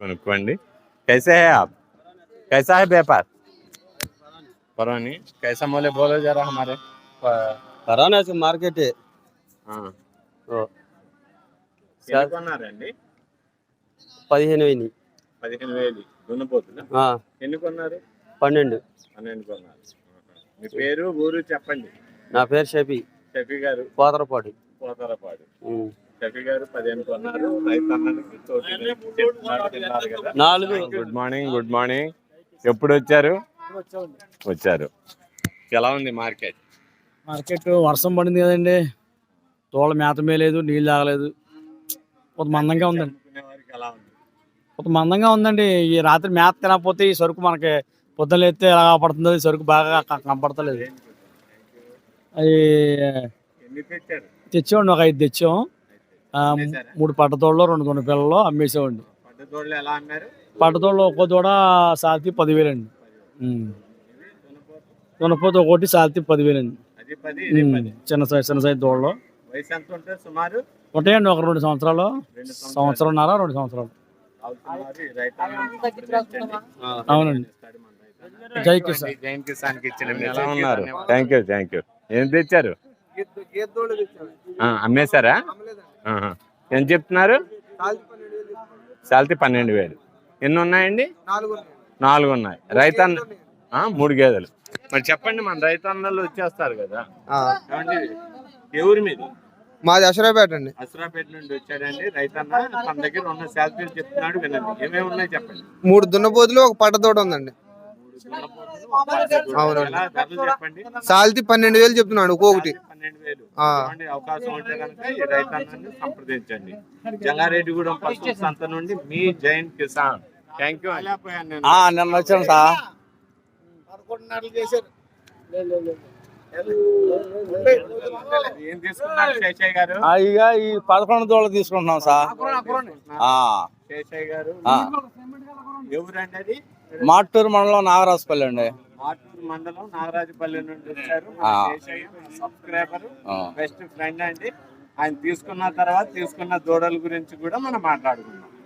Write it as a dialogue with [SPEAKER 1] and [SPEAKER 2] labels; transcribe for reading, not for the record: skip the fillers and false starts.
[SPEAKER 1] కొనుక్కోండి. कैसे है आप? कैसा है व्यापार? पता नहीं कैसा मोले बोलो जरा हमारे
[SPEAKER 2] కరోనా మార్కెట్
[SPEAKER 1] ఎన్ని కొన్నారండి?
[SPEAKER 2] 15,000
[SPEAKER 1] 15,000 దున్నపోతున్నా. ఎన్ని కొన్నారు?
[SPEAKER 2] 12
[SPEAKER 1] కొన్నారు. మీ పేరు ఊరు చెప్పండి.
[SPEAKER 2] నా పేరు షఫీ
[SPEAKER 1] గారు,
[SPEAKER 2] పోతరపాడు.
[SPEAKER 1] షఫీ గారు 15 కొన్నారు. రైతన్నలకి గుడ్ మార్నింగ్. ఎప్పుడు వచ్చారు? ఎలా ఉంది మార్కెట్?
[SPEAKER 3] వర్షం పడింది కదండి, తోళ్ళ మేత మేలేదు, నీళ్ళు తాగలేదు. కొంత మందంగా ఉందండి. ఈ రాత్రి మేత తినకపోతే ఈ సరుకు మనకి పొద్దున ఎత్తే ఎలా పడుతుంది, సరుకు బాగా కనపడతలేదు. అది తెచ్చామండి, ఒక 5 తెచ్చాం. 3 పట్టతోళ్ళు, 2 దొండ పిల్లలు అమ్మేసామండి. పట్టతోళ్ళు ఒక్కో దూడ సాల్తీ 10,000 అండి. దొనపోతే ఒకటి సాల్తీ 10,000 అండి. చిన్న సైజ్ దూడలు ఉంటాయండి. ఒక 2 సంవత్సరాలు, సంవత్సరంన్నర, 2 సంవత్సరాలు. అవునండి. జై కిసాన్.
[SPEAKER 1] ఎలా ఉన్నారు? Thank you. ఏం తెచ్చారు? అమ్మేశారా? ఎంత చెప్తున్నారు? సాల్తీ 12,000. ఎన్ని ఉన్నాయండి? 4 ఉన్నాయి. రైతన్న 3 గేదెలు. మరి చెప్పండి, మన రైతన్నలు వచ్చేస్తారు కదా. ఎవరి మీద?
[SPEAKER 2] మాది అసరాపేట అండి.
[SPEAKER 1] అసరాపేట నుండి వచ్చాడండి రైతన్న. తన దగ్గర ఉన్న శాలరీలు చెప్తున్నాడు, వినండి. ఏమేమి ఉన్నాయి చెప్పండి.
[SPEAKER 2] 3 దున్నపోతులు, ఒక పట్టతోట ఉందండి. అవునండి. సాల్తీ 12,000 చెప్తున్నాడు ఒక్కొక్కటి.
[SPEAKER 1] 12,000. అవకాశం ఉంటే కనుక ఈ రైతన్నని సంప్రదించండి. జంగారెడ్డిగూడెం పశు సంత నుండి మీ జైన్ కిసాన్. Thank you.
[SPEAKER 3] నిన్న వచ్చాను సార్.
[SPEAKER 1] ఏం తీసుకున్నారు శేషయ్య గారు?
[SPEAKER 3] ఇక ఈ 11 దోళ్ళు తీసుకుంటున్నాం సార్.
[SPEAKER 1] శేషయ్య గారు ఎవరండి? అది
[SPEAKER 3] మాటూరు మండలం నాగరాజపల్లి అండి.
[SPEAKER 1] మాటూరు మండలం నాగరాజపల్లి నుండి వచ్చారు. శేషయ్య సబ్స్క్రైబర్, బెస్ట్ ఫ్రెండ్ అండి. ఆయన తీసుకున్న తర్వాత తీసుకున్న దూడల గురించి కూడా మనం మాట్లాడుకున్నాం.